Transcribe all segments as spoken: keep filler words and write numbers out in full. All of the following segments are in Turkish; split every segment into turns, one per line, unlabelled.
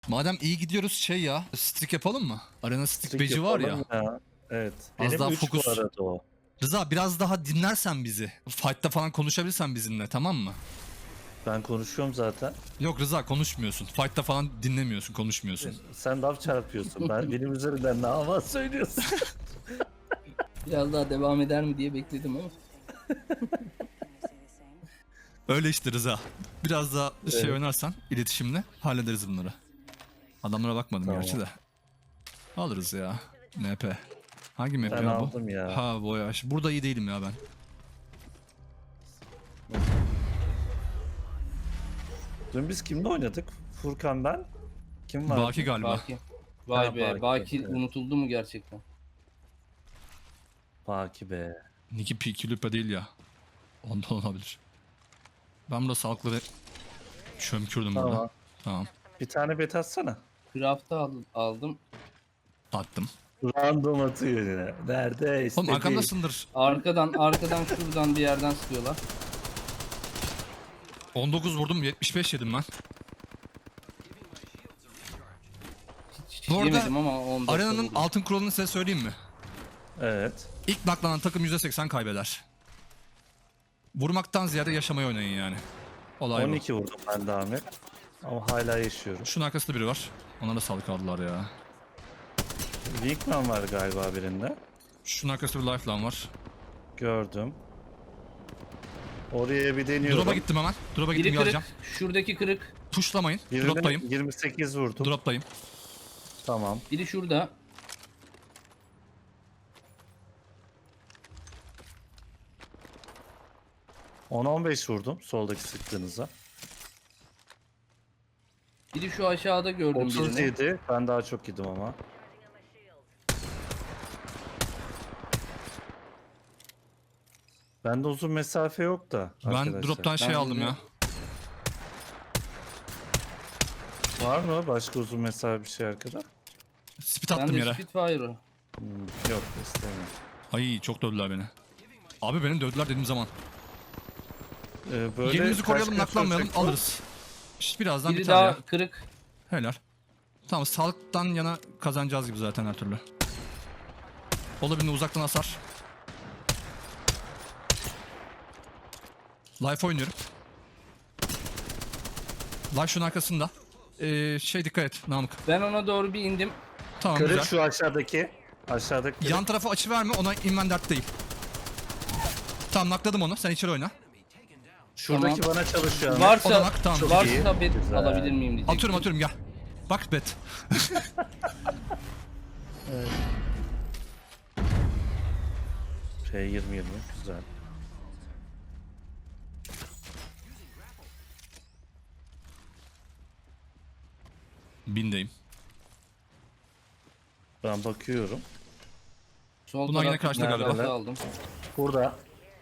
Madem iyi gidiyoruz şey ya. Streak yapalım mı? Arena streak
Streak
beci var ya.
yapalım ya. Evet.
Az
Benim
daha
üç
fokus.
bu arada o.
Rıza biraz daha dinlersen bizi. Fight'ta falan konuşabilirsen bizimle, tamam mı?
Ben konuşuyorum zaten.
Yok Rıza, konuşmuyorsun. Fight'ta falan dinlemiyorsun, konuşmuyorsun.
Sen laf çarpıyorsun. Ben benim üzerinden ne hava söylüyorsun.
Biraz daha devam eder mi diye bekledim ama.
Öyle işte Rıza. Biraz daha şey
Evet.
oynarsan iletişimle hallederiz bunları. Adamlara bakmadım
Tamam.
gerçi de. Alırız ya. M P. Hangi M P
Ben
ya bu?
aldım ya.
Ha Voyage. Burada iyi değilim ya ben.
Dün biz kimle oynadık? Furkan ben. Kim var?
Baki galiba.
Baki. Vay
Ha,
be,
Baki,
Baki
evet.
unutuldu mu gerçekten?
Baki be.
Niki P Lupa değil ya. Ondan olabilir. Ben burada sağlıkları çömkürdüm burada.
Tamam.
Tamam.
Bir tane bet atsana.
Craft'ı al- aldım.
Attım.
Random atıyor yine. Nerede?
Oğlum
İstediği.
arkamdasındır.
Arkadan, arkadan şuradan bir yerden sıkıyorlar.
on dokuz vurdum, yetmiş beş yedim ben.
Hiç
Bu arada
yemedim ama on dört
Arenanın
vurdum.
altın kuralını size söyleyeyim mi?
Evet.
İlk naklanan takım yüzde seksen kaybeder. Vurmaktan ziyade yaşamayı oynayın yani. Olay
on iki vurdum ben de Ahmet. Ama hala yaşıyorum.
bu. Şunun arkasında biri var. Ona da sağlık aldılar ya.
Winkman var galiba birinde.
Şunun arkasında bir lifeline var.
Gördüm. Oraya bir deniyorum.
Drop'a gittim hemen. Drop'a gittim,
Biri kırık,
geleceğim.
şuradaki kırık.
Pushlamayın.
Birine
Drop'tayım.
yirmi sekiz vurdum.
Drop'tayım.
Tamam.
Biri şurada.
on on beş vurdum soldaki sıktığınıza.
Biri şu aşağıda gördüm birini.
otuz yedi. Ben daha çok yedim ama. Bende uzun mesafe yok da.
Ben
arkadaşlar.
drop'tan şey
Ben
aldım ya.
bilmiyorum.
Var mı başka uzun mesafe bir şey arkada?
Spit
Ben
attım
de
yere.
Spitfire'ı.
Hmm, yok istemiyorum.
Ay çok dövdüler beni. Abi beni dövdüler dediğim zaman.
Ee, böyle
Yerimizi
kaç
koruyalım,
gün
naklanmayalım,
sürecek bu?
alırız. İşte birazdan
Biri
biter
daha
ya.
kırık.
Helal. Tamam, sağlıktan yana kazanacağız gibi zaten her türlü. Olabildiğince uzaktan hasar. Life oynuyorum. Life şunun arkasında. Ee, şey dikkat et Namık.
Ben ona doğru bir indim.
Tamam
Kırık
güzel.
şu aşağıdaki. Aşağıdaki kırık.
Yan tarafa açı verme, ona inmen dert değil. Tamam, nakladım onu, sen içeri oyna.
Şuradaki
Tamam.
bana çalışıyor. Ahmet.
O da
Varsa,
nak, tamam.
Çok iyi.
varsa bet
Güzel.
alabilir miyim diyecektim.
Atıyorum atıyorum gel. Bak bet.
P yirmi yirmi güzel.
Bindeyim.
Ben bakıyorum.
Sol
Bunlar yine
tarafta
karşıda
bir
galiba.
craft aldım.
Burada.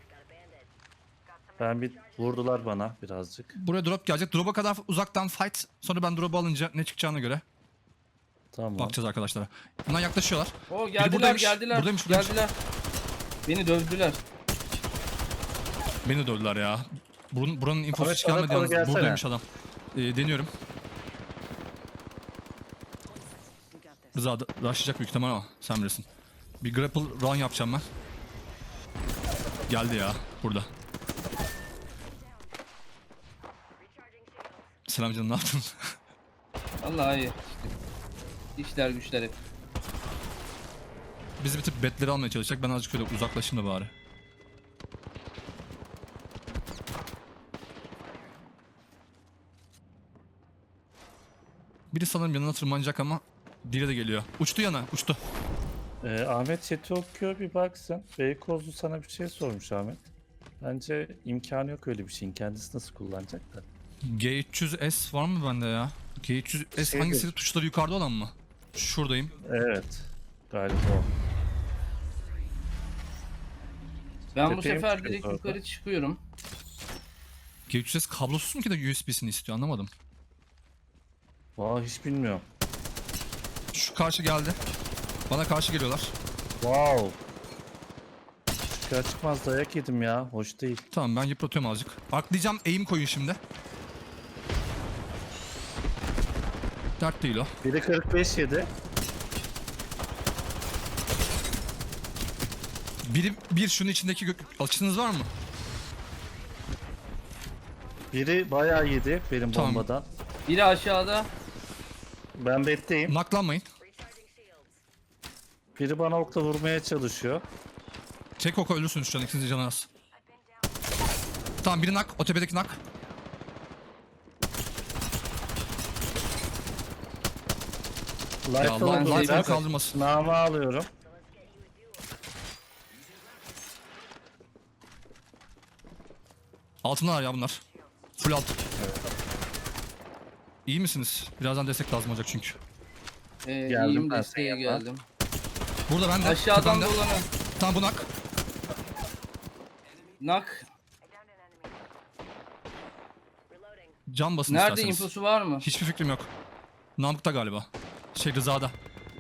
Ben bir vurdular bana birazcık.
Buraya drop gelecek. Drop'a kadar uzaktan fight. Sonra ben drop'u alınca ne çıkacağına göre
Tamam.
bakacağız arkadaşlara. Bunlar yaklaşıyorlar.
O
Biri
geldiler
buradaymış,
geldiler.
buradaymış, buradaymış.
Geldiler. Beni dövdüler.
Beni dövdüler ya. Buranın, buranın infosu
Ahmet,
hiç gelmedi
bana doğru
yalnız.
gelsene.
Buradaymış adam. Ee, deniyorum. Rıza da- rushlayacak büyük ihtimal ama sen bilirsin. Bir grapple run yapacağım ben. Geldi ya burada. Selam canım, ne yaptın?
Vallahi iyi. İşler güçler hep.
Biz bir tık betleri almaya çalışacak. Ben azıcık şöyle uzaklaşayım da bari. Biri sanırım yanına tırmanacak ama diğeri de geliyor. Uçtu yana, uçtu.
Ee, Ahmet chat'i okuyor bir baksın. Beykozlu sana bir şey sormuş Ahmet. Bence imkanı yok öyle bir şeyin. Kendisi nasıl kullanacak da.
G üç yüz S var mı bende ya? G üç yüz S
Şeydir.
hangisi? Tuşları yukarıda olan mı? Şuradayım.
Evet. Galiba o.
Ben bu
Tepeye mi
sefer
çıkıyoruz
direkt
orada?
yukarı çıkıyorum.
G üç yüz S kablosuz mu ki de U S B'sini istiyor, anlamadım.
Vay hiç bilmiyorum.
Şu karşı geldi. Bana karşı geliyorlar.
Wow. Çıkar çıkmaz dayak yedim ya. Hoş değil.
Tamam, ben yıpratıyorum azıcık. Arklayacağım, aim koyun şimdi. Dert değil o.
Biri kırk beş yedi.
Biri bir şunun içindeki gök... Açınız var mı?
Biri bayağı yedi benim
Tamam.
bombadan.
Biri aşağıda.
Ben betteyim.
Naklanmayın.
Biri bana okla vurmaya çalışıyor.
Tek oku ölürsünüz şu an, ikinci canı az. Tamam, biri nak. O tepedeki nak. Ya
Life
Allah,
ben
Life'ını
şey-
kaldırmasın.
Namı alıyorum.
Altındalar ya bunlar. Full alt. İyi misiniz? Birazdan destek lazım olacak çünkü.
Ee,
Geldim
iyiyim,
ben
desteğe
senin yanına.
geldim.
Burada ben de.
Aşağıdan
tepemde.
dolanın.
Tamam, bu nak.
Nak.
Can basın
Nerede
isterseniz.
infosu var mı?
Hiçbir fikrim yok. Namık'ta galiba. Şey, Rıza'da.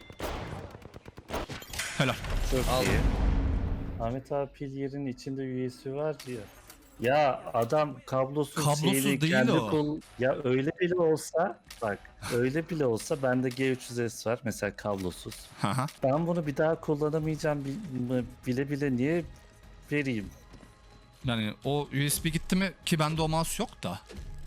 Helal.
Çok
Aldım.
iyi. Ahmet abi pil yerin içinde U S B var diyor. Ya adam kablosuz,
Kablosuz
şeyli,
değil
kendi
o.
kol- Ya öyle bile olsa bak öyle bile olsa bende G üç yüz S var mesela kablosuz.
Haha.
Ben bunu bir daha kullanamayacağım bil- bile bile niye vereyim?
Yani o U S B gitti mi ki bende o mouse yok da.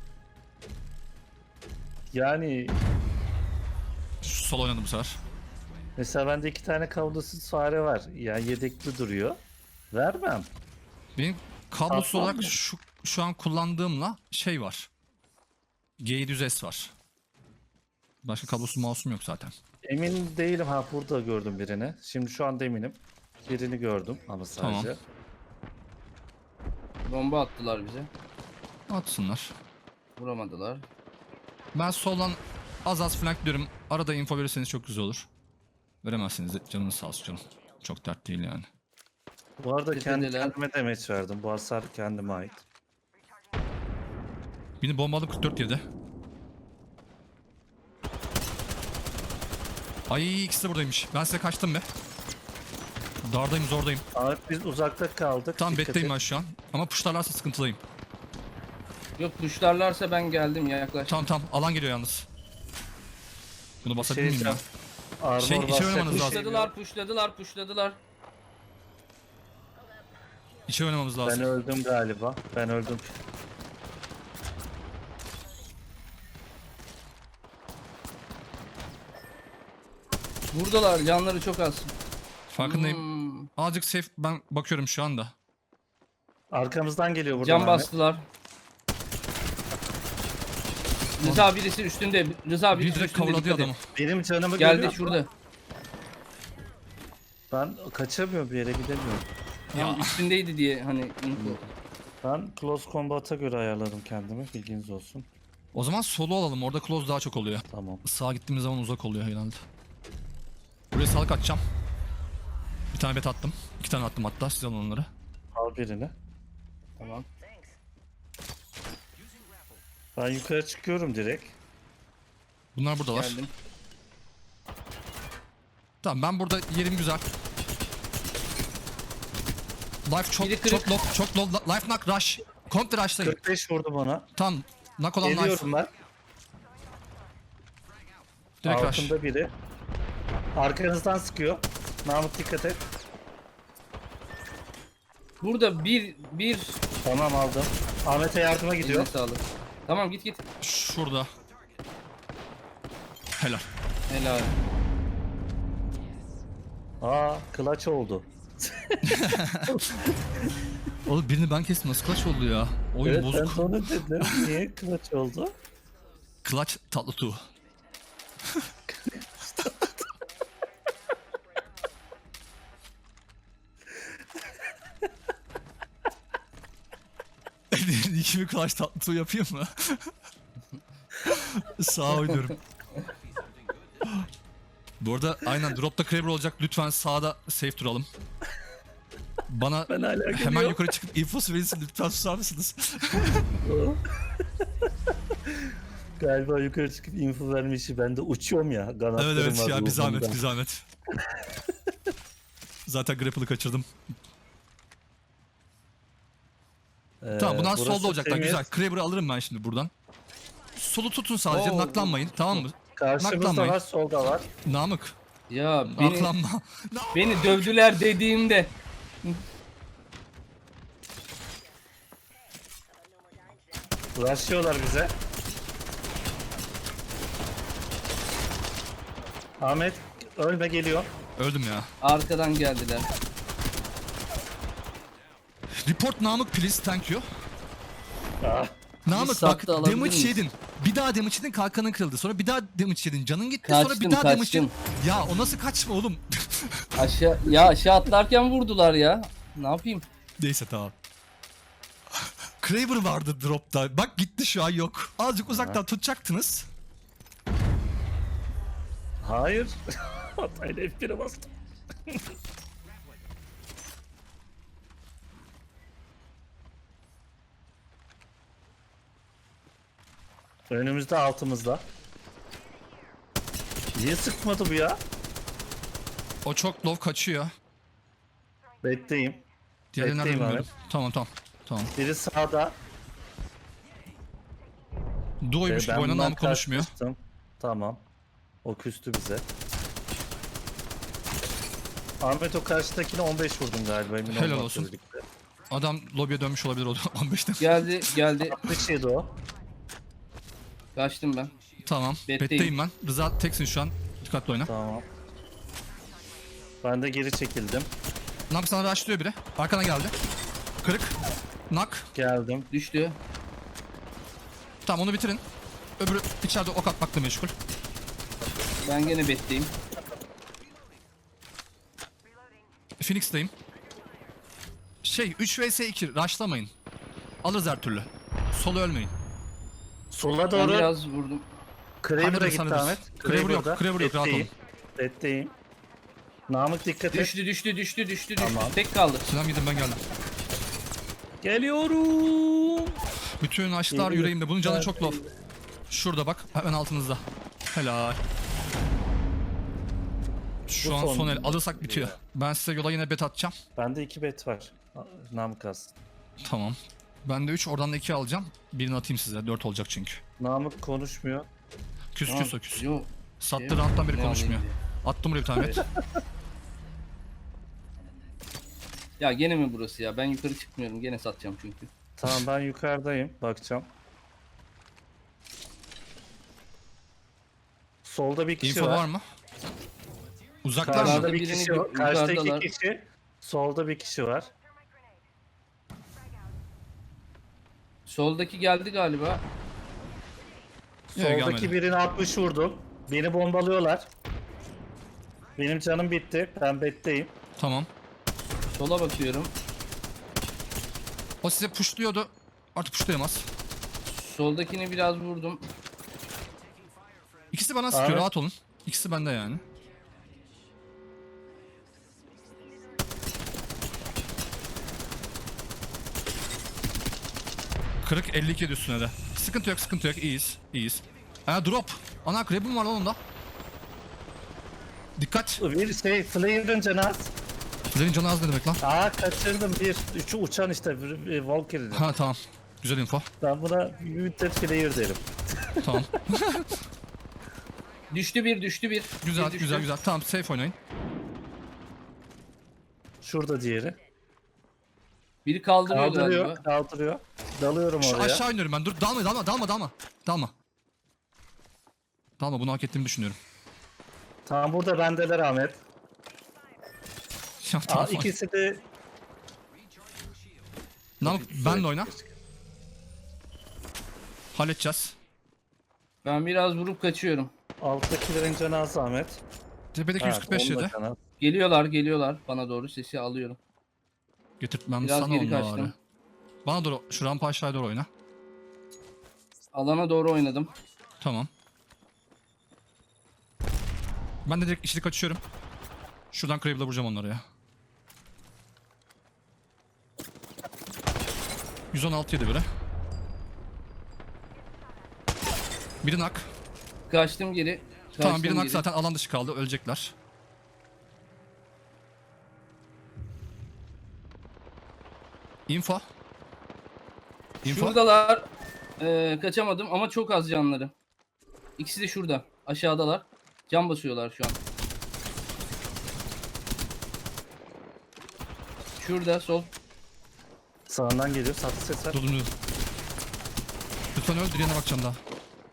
Yani
Şu sol oynadım bu sefer.
mesela bende iki tane kablosuz fare var. Yani yedekli duruyor. Vermem.
Benim kablosuz
Tatlı
olarak
mı?
şu, şu an kullandığımla şey var. G yedi yüz S var. Başka kablosuz mouse'um yok zaten.
Emin değilim, ha burada gördüm birini. Şimdi şu anda eminim. Birini gördüm ama sadece.
Tamam.
Bomba attılar bize.
Atsınlar.
Vuramadılar.
Ben soldan az az flank diyorum. Arada info verirseniz çok güzel olur. Veremezseniz de canınız sağ olsun canım. Çok dert değil yani.
Bu arada kendi
Tepedeler.
kendime demeç verdim. Bu hasar kendime ait.
Beni bombaladım, kırk dört yedi. Ay, ikisi de buradaymış. Ben size kaçtım be. Dardayım, zordayım.
Abi biz uzakta kaldık.
Tam
Dikkat
betteyim
et.
ben şu an. Ama puşlarlarsa sıkıntılıyım.
Yok, tuşlarlarsa ben geldim ya, yaklaştım.
Tamam tamam, alan geliyor yalnız. Bunu basabilir miyim ya?
Şey, Armor
Şey, içeri
basacak
oynamanız
bir şey
lazım.
yok.
Puşladılar, puşladılar, puşladılar.
İçeri oynamamız
Ben
lazım.
öldüm galiba. Ben öldüm.
Buradalar, canları çok az.
Farkındayım.
Hmm,
Azıcık safe, ben bakıyorum şu anda.
Arkamızdan geliyor buradan.
Can
Ahmet.
bastılar. Rıza birisi üstünde. Rıza
Bir
birisi
direkt
üstünde.
kavladı
dikkat et.
adamı.
Benim canımı
Geldi
görüyor.
şurada.
Ben kaçamıyorum, bir yere gidemiyorum.
Ya.
Ya. Üstündeydi diye hani info.
Ben close combat'a göre ayarladım kendimi. Bilginiz olsun.
O zaman solo alalım. Orada close daha çok oluyor.
Tamam.
Sağa gittiğimiz zaman uzak oluyor herhalde. Buraya sağlık atacağım. Bir tane bet attım. İki tane attım hatta. Siz alın onları.
Al birini.
Tamam.
Ben yukarı çıkıyorum direkt.
Bunlar buradalar.
Geldim.
Tamam, ben burada yerim güzel. Life çok
Biri kırık.
çok low, çok low. Life knock rush. Komple rush'tayım.
kırk beş vurdu bana.
Tamam. Knock olan life.
Geliyorum ben.
Direkt rush.
Altında biri. Arkanızdan sıkıyor. Mahmut dikkat et.
Burada bir bir
Tamam, aldım. Ahmet'e yardıma gidiyor.
Eline sağlık. Tamam, git git.
Şurada. Helal.
Helal.
Aa, clutch oldu.
Oğlum birini ben kestim. Nasıl clutch oldu ya? Oyun
Evet, ben
bozuk.
de onu dedim. Niye clutch oldu?
Clutch tatlı tu. İkimi clutch tatlı tu yapayım mı? Sağa oynuyorum. Bu arada aynen dropta Kraber olacak. Lütfen sağda safe duralım. Bana
Ben hala
hemen
geliyorum.
yukarı çıkıp infosu verirsin, lütfen susar mısınız?
Galiba yukarı çıkıp info vermişi. Ben de uçuyorum ya. Kanatlarım
Evet evet
var
ya, bir zahmet
ruhumda.
bir zahmet. Zaten grapple'ı kaçırdım.
Ee,
Tamam, bundan
burası
solda olacaklar,
temiz.
güzel. Kraber'ı alırım ben şimdi buradan. Solu tutun sadece,
Oo,
naklanmayın, tamam mı?
Karşımızda
Naklanmayın.
var, solda var.
Namık.
Ya beni,
Aklanma.
beni dövdüler dediğimde.
Uğraşıyorlar bize. Ahmet ölme geliyor.
Öldüm ya.
Arkadan geldiler.
Report Namık please, thank you.
Ah,
Namık bak,
saatte alabilir
damage
miyiz?
yedin. Bir daha damage yedin, kalkanın kırıldı. Sonra bir daha damage yedin, canın gitti. sonra bir
Kaçtım,
daha damage
kaçtım.
yedin. Ya o nasıl kaçma oğlum?
Aşağı ya aşağı atlarken vurdular ya. Ne yapayım?
Neyse tamam. Kraber vardı dropta. Bak gitti, şu an yok. Azıcık uzaktan tutacaktınız.
hayır. Hatayla F bir'e bastım. Önümüzde, altımızda. Niye sıkmadı bu ya?
O çok low kaçıyor.
Bekleyeyim.
Diğerleri nerede
Bekleyeyim
bilmiyorum. Tamam tamam. Tamam.
Biri sağda.
Duo'ymuş
Ee,
gibi oynanan
bundan
ama konuşmuyor.
kaçmıştım. Tamam. O küstü bize. Ahmet o karşıdakine on beş vurdun galiba, emin
Helal
olmakla
olsun.
birlikte.
Adam lobiye dönmüş olabilir o on beşten.
Geldi geldi.
altmış yedi o.
Kaçtım ben.
Tamam.
Betteyim.
Betteyim ben. Rıza teksin şu an. Dikkatli oyna.
Tamam. Ben de geri çekildim.
Namık sana rushlıyor biri. Arkana geldi. Kırık. Nak.
Geldim.
Düştü.
Tamam onu bitirin. Öbürü içeride ok atmakla meşgul.
Ben gene betteyim.
Phoenix'teyim. Şey üç vs iki rushlamayın. Alırız her türlü. Solu ölmeyin.
Sola
Ben
doğru
biraz vurdum.
Kraber'a
Hallederiz,
gitti
hallederiz.
Ahmet.
Kraber yok,
Kraber'da.
Kraber yok, rahat olun.
Bekleyeyim. Bekleyeyim. Namık dikkat et.
Düştü düştü düştü düştü düştü.
Tamam.
Tek kaldı.
Selam gidin, ben geldim.
Geliyorum.
Bütün açlar
Geliyor.
yüreğimde. Bunun canı
Evet,
çok low. Şurada bak. Hemen altınızda. Helal. Şu
Bu
an
son-
son el. Alırsak bitiyor. Ben size yola yine bet atacağım.
Bende iki bet var. Namık az.
Tamam. Ben de üç, oradan da iki alacağım. Birini atayım size. dört olacak çünkü.
Namık konuşmuyor.
Küs
Tamam.
küs o küs.
Yo,
Sattı
şey-
round'dan beri
ne
konuşmuyor.
alayım
Attım buraya bir tane bet.
Ya gene mi burası ya? Ben yukarı çıkmıyorum. Gene satacağım çünkü.
Tamam ben yukarıdayım. Bakacağım. Solda bir kişi
Info
var.
var mı? Uzaklar
Karşıda
mı?
Yukarıda
bir
birini
kişi
gö-
var. Karşıda iki
yukarıdalar.
kişi. Solda bir kişi var.
Soldaki geldi galiba.
Yok,
Soldaki
gelmedi.
birini altmış vurdum. Beni bombalıyorlar. Benim canım bitti. Ben betteyim.
Tamam.
Sola bakıyorum.
O size pushluyordu. Artık pushlayamaz.
Soldakini biraz vurdum.
İkisi bana sıkıyor,
Ahmet.
rahat olun. İkisi bende yani. Kırık elli iki üstüne de. Sıkıntı yok, sıkıntı yok. İyiyiz, iyiyiz. Ha drop. Ana Krab'im var lan onda. Dikkat.
Bir şey, Flair'ın canı az.
Senin canı az ne demek lan?
Aa kaçırdım bir. Üçü uçan işte. bir- bir Valkyrie'nin.
Ha tamam. Güzel info.
Ben buna bir müddet Flair derim.
Tamam.
Düştü bir, düştü bir.
Güzel,
Bir düştü.
güzel, güzel. Tamam, safe oynayın.
Şurada diğeri.
Biri kaldırıyor,
Kaldırıyor,
galiba.
kaldırıyor. Dalıyorum
Şu
oraya.
aşağı iniyorum ben. Dur, dalma, dalma, dalma, dalma. Dalma. Dalma, bunu hak ettiğimi düşünüyorum.
Tam burada bendeler Ahmet.
Ya,
Aa,
tamam.
ikisi de
Namık, benle oyna. Halledeceğiz.
Ben biraz vurup kaçıyorum.
alttakilerin canı az Ahmet.
Tepedeki yüz kırk beş
onun da
yedi.
canı az.
Geliyorlar, geliyorlar. Bana doğru sesi alıyorum.
Getirtmem
Biraz
sana
geri
onları.
kaçtım.
Bana doğru, şu rampa aşağıya doğru oyna.
Alana doğru oynadım.
Tamam. Ben de direkt içeri kaçıyorum. Şuradan Krabe'la vuracağım onları ya. yüz on altı yedi biri. Biri nak.
Kaçtım geri. Kaçtım
Tamam, biri nak
geri.
zaten alan dışı kaldı. Ölecekler. Info. Info.
Şuradalar. Ee, kaçamadım ama çok az canları. İkisi de şurada. Aşağıdalar. Cam basıyorlar şu an. Şurada sol.
Sağından geliyor. Satı ses var.
Dur dur dur. Lütfen öl, diğerine bakacağım daha.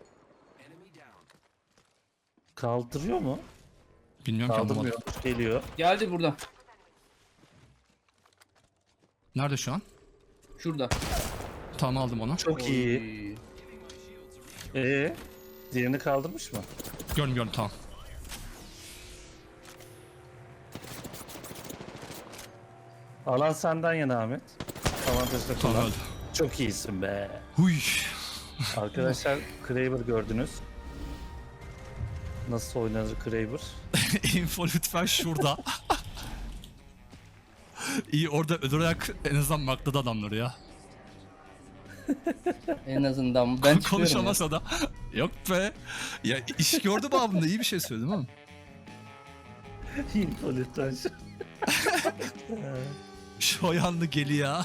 Kaldırıyor mu?
Bilmiyorum ki,
Kaldırmıyor.
anlamadım.
Geliyor.
Geldi burada.
Nerede şu an?
Şurada.
Tamam, aldım onu.
Çok
Oy.
iyi. Ee, diğerini kaldırmış mı?
Gördüm gördüm, tamam.
Alan senden yana Ahmet. Avantajlı
Tamam,
kullan.
öldü.
Çok iyisin be.
Huy.
Arkadaşlar Kraber gördünüz. Nasıl oynanır Kraber?
Info lütfen şurada. İyi, orada öldürerek en azından makladı adamları ya.
En azından ben çıkıyorum ya.
Konuşamasa da. Yok be. Ya iş gördüm abimde, iyi bir şey söyledim ama.
Info lütfen şu.
Şu yanlı geli ya.